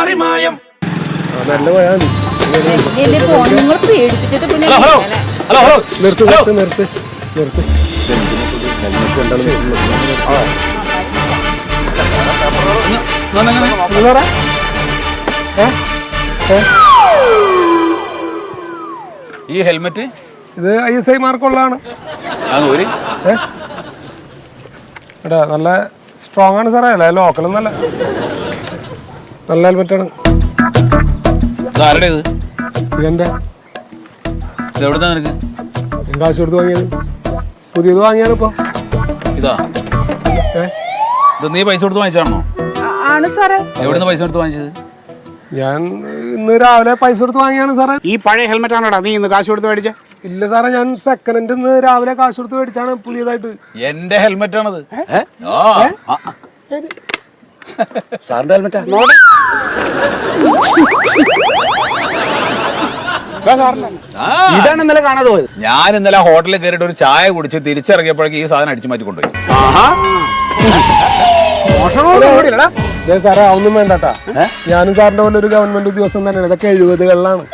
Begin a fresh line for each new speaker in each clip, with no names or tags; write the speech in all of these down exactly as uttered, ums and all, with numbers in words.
മറിമായം
നല്ല പോയാൽ
hello hello hello
നിർത്ത് നിർത്ത് നിർത്ത് നിർത്ത്
ഈ ഹെൽമെറ്റ്
ഇത് ഐ എസ് ഐ മാർക്കുള്ളതാണ്. എടാ നല്ല സ്ട്രോങ് ആണ് സാറേ. അല്ല ലോക്കൽ നല്ല നല്ല ഹെൽമെറ്റാണ്.
ആരുടെ ഇത്?
ഇതെന്റെ.
എവിടുന്നാ നിനക്ക്?
കാശ് കൊടുത്ത് വാങ്ങിയത്. പുതിയത് വാങ്ങിയാണ് ഇപ്പൊ.
ഇതാ ഇത് നീ പൈസ കൊടുത്ത് വാങ്ങിച്ചാണോ?
ആണ് സാറേ.
എവിടുന്ന് പൈസ കൊടുത്ത് വാങ്ങിച്ചത്?
ഞാൻ ഇന്ന് രാവിലെ പൈസ കൊടുത്ത് വാങ്ങിയാണ് സാറേ.
ഈ പഴയ ഹെൽമെറ്റ് ആണോടാ നീ ഇന്ന് കാശ് കൊടുത്ത് മേടിച്ച?
ഇല്ല സാറേ, ഞാൻ സെക്കൻഡ് ഹാൻഡ് ഇന്ന് രാവിലെ കാശ് കൊടുത്ത് മേടിച്ചാണ് പുതിയതായിട്ട്.
എന്റെ ഹെൽമെറ്റ് ആണത്.
സാറിന്റെ ഹെൽമെറ്റാ?
ഇതാണ് ഇന്നലെ കാണാതെ പോയത്. ഞാൻ ഇന്നലെ ഹോട്ടലിൽ കയറിയിട്ട് ഒരു ചായ കുടിച്ച് തിരിച്ചിറങ്ങിയപ്പോഴേക്കും ഈ സാധനം അടിച്ചു മാറ്റി കൊണ്ടുപോയി.
സാറേ അതൊന്നും വേണ്ടട്ടാ. ഞാനും സാറിന്റെ പോലെ ഒരു ഗവൺമെന്റ് ഉദ്യോഗസ്ഥൻ തന്നെയാണ്. ഇതൊക്കെ എഴുപതുകളിലാണ്.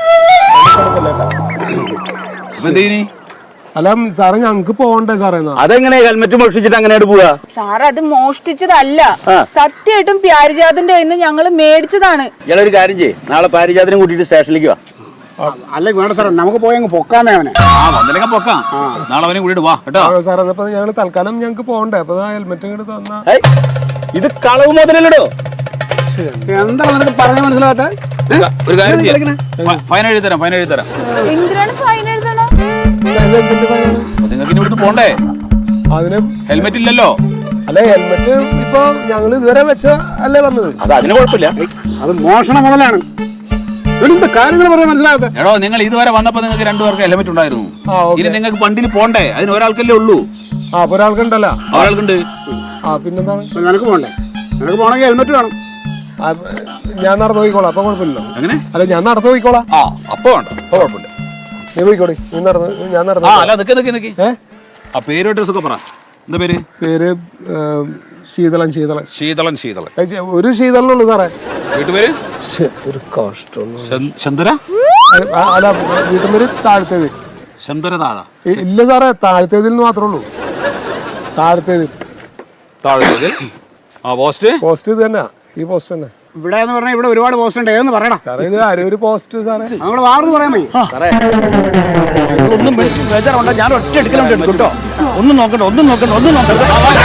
അല്ല സാറേ, ഞങ്ങക്ക് പോകണ്ടേ സാറേ?
അതെങ്ങനെ ഹെൽമെറ്റ് മോഷ്ടിച്ചിട്ട് അങ്ങനെ പോവാ?
സാറ് അത് മോഷ്ടിച്ചതല്ല, സത്യമായിട്ടും പ്യാരിജാതിന്റെ കയ്യിൽ നിന്ന് ഞങ്ങള് മേടിച്ചതാണ്.
ഇയാളൊരു കാര്യം ചെയ്യ്, നാളെ പാരിജാതിനെ കൂട്ടിട്ട് സ്റ്റേഷനിലേക്ക് വാ.
അല്ലേ വേണ്ട സാറേ, നമുക്ക് പോയി അങ്ങ് പൊക്കാന്നേ അവനെ.
പൊക്കാം, നാളെ അവനെ കൂട്ടിട്ട് വാ കേട്ടോ
സാറേ. അപ്പൊ ഞങ്ങള് തൽക്കാലം ഞങ്ങക്ക് പോകണ്ടേ? അപ്പൊ ഹെൽമെറ്റ് ഇങ്ങോട്ട് തന്നാ.
ഇത് കളവ് മുതലല്ലോ.
എന്താണ് നിനക്ക് പറഞ്ഞ മനസ്സിലാകാത്ത?
ഒരു കാര്യം ചെയ്യാം, ഫൈൻ എഴുതി തരാം. ഫൈൻ എഴുതി തരാം.
എന്തിനാണ് ഫൈൻ എഴുതണം?
നിങ്ങൾക്ക് ഇവിടുന്ന് പോണ്ടേ?
അതിന്
ഹെൽമെറ്റ് ഇല്ലല്ലോ.
അല്ല ഹെൽമെറ്റ് ഇപ്പൊ ഞങ്ങൾ ഇതുവരെ വെച്ച അല്ലേ വന്നത്.
അത് അതിന് കുഴപ്പമില്ല,
അത് മോഷണം മുതലാണ്. കാര്യങ്ങൾ പറയാൻ മനസ്സിലാകാത്ത.
എടോ, നിങ്ങൾ ഇതുവരെ വന്നപ്പോ നിങ്ങൾക്ക് രണ്ടുപേർക്ക് ഹെൽമെറ്റ് ഉണ്ടായിരുന്നു. ഇനി നിങ്ങൾക്ക് വണ്ടിയിൽ പോണ്ടേ? അതിന് ഒരാൾക്കല്ലേ ഉള്ളൂ.
ആ അപ്പൊ ഒരാൾക്കുണ്ടല്ലോ.
ഒരാൾക്കുണ്ട്.
ആ പിന്നെന്താണ്?
നിനക്ക് പോണ്ടേ? നിനക്ക് പോണെങ്കിൽ ഹെൽമെറ്റ് വേണം.
ഞാൻ നടന്നു പോയിക്കോളാം, അപ്പൊ കുഴപ്പമില്ലല്ലോ.
എങ്ങനെ?
അല്ല ഞാൻ നടന്നു പോയിക്കോളാം.
ആ അപ്പൊ വേണ്ട, അപ്പൊ കുഴപ്പമില്ല.
നീ പോയിക്കോടി, നീ നടന്നു, ഞാൻ നടന്നു.
ആ അല്ല നിക്ക് നിക്ക് നിക്ക്. ആ പേര് അഡ്രസ് ഒക്കെ പറ. എന്താ പേര്?
പേര് ശീതളൻ. ശീതളൻ
ശീതളൻ ശീതളൻ
ഒരു ശീതളനുള്ളൂ സാറേ.
വീട്ടുപേര്?
ഒരു കഷ്ടം.
ചന്ദ്ര.
അല്ല വീട്ടുപേര് താഴത്തേത്.
ചന്ദ്ര താഴ?
ഇല്ല സാറേ, താഴത്തേതിൽ മാത്രമേ ഉള്ളൂ. താഴത്തേതിൽ.
താഴത്തേതിൽ. ആ പോസ്റ്റ്?
പോസ്റ്റ് ഇത് തന്നെ, ഈ പോസ്റ്റ് തന്നെ.
ഇവിടെ എന്ന് പറഞ്ഞാൽ ഇവിടെ ഒരുപാട് പോസ്റ്റ് ഉണ്ട്. ഏന്ന് പറയണം
സാറേ. ഇത് അരൂര് പോസ്റ്റ് സാറേ.
നമ്മുടെ വാർന്ന് പറയാൻ മതി
സാറേ. ഒന്നും ബേജാറുണ്ട, ഞാൻ ഒറ്റ എടുക്കലുണ്ട് എടുക്കും കേട്ടോ. ഒന്നും നോക്കണ്ട, ഒന്നും നോക്കണ്ട, ഒന്നും നോക്കണ്ട.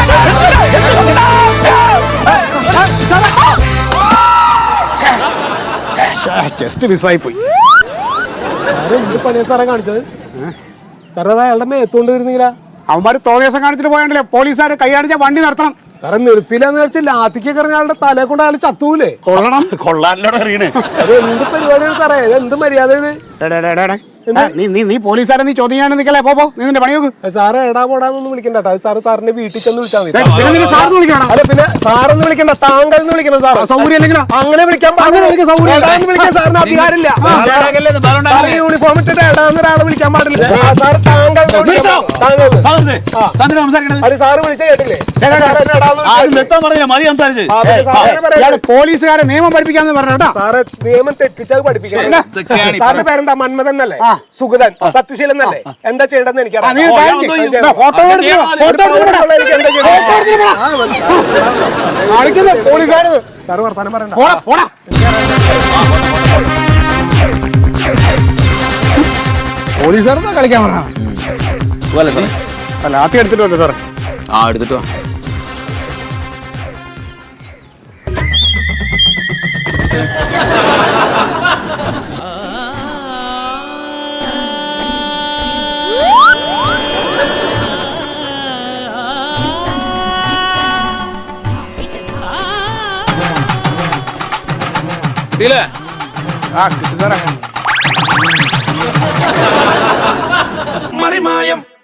ജസ്റ്റ് മിസ്സായി പോയി.
സാറേ എന്ത് പണിയാ സാറേ കാണിച്ചത്? സാറേ അത് അയാളുടെ മേത്തോണ്ട് വരുന്നില്ല.
അവന്മാര് തോന്നിയാസം കാണിച്ചിട്ട് പോയണ്ടല്ലേ പോലീസുകാർ കൈയാടിച്ച വണ്ടി നിർത്തണം.
സാറേ നിർത്തിയില്ലെന്ന് വെച്ചാൽ ലാത്തിക്കൊക്കെ ഇറങ്ങി അയാളുടെ തലയെ കൊണ്ട് അയാൾ ചത്തൂലേ?
കൊള്ളണം, കൊള്ളാനോട് അറിയണേ.
അത് എന്ത് പരിപാടിയാണ് സാറേ? എന്ത് മര്യാദ ഇത്?
നീ നീ നീ പോലീസുകാരെ നീ ചോദ്യം ചെയ്യാൻ നിൽക്കല്ലേ? പോ നീ നിന്റെ പണി നോക്ക്.
സാറ് എടാ പോടാന്നൊന്നും വിളിക്കണ്ട. അത് സാറ് സാറിന്റെ വീട്ടിൽ ചെന്ന് വിളിച്ചാൽ മതി.
സാറിന് വിളിക്കണം.
അല്ല പിന്നെ സാറൊന്ന് വിളിക്കണ്ട, താങ്കൾ എന്ന് വിളിക്കണം. സാർ
സൗകര്യം ഇല്ലെങ്കിലോ
അങ്ങനെ വിളിക്കാൻ വിളിക്കാൻ സാറിന് അധികാരമില്ല. യൂണിഫോം ഇട്ടിട്ട് എടാന്ന് ഒരാളെ വിളിക്കാൻ പാടില്ല. സാർ താങ്കൾ അത് സാറ് വിളിച്ച കേട്ടില്ലേ?
പോലീസുകാരെ നിയമം പഠിപ്പിക്കാന്ന് പറഞ്ഞോ.
സാറ് നിയമം തെറ്റിച്ചത് പഠിപ്പിക്കണം. സാറിന്റെ പേരെന്താ? മന്മഥൻ എന്നല്ലേ? സുഗതൻ, സത്യശീലൻ എന്നല്ലേ? എന്താ ചെയ്യേണ്ടതെന്ന് എനിക്കറിയാം.
പോലീസുകാർ
സാറ് വർത്താനം പറയണ്ട.
പോലീസുകാരെന്താ കളിക്കാൻ പറഞ്ഞ? അല്ല ആദ്യം എടുത്തിട്ടുണ്ട് സാറേ.
ആ എടുത്തിട്ടോ.
ആ കിട്ടി സാറേ.
മറിമായം.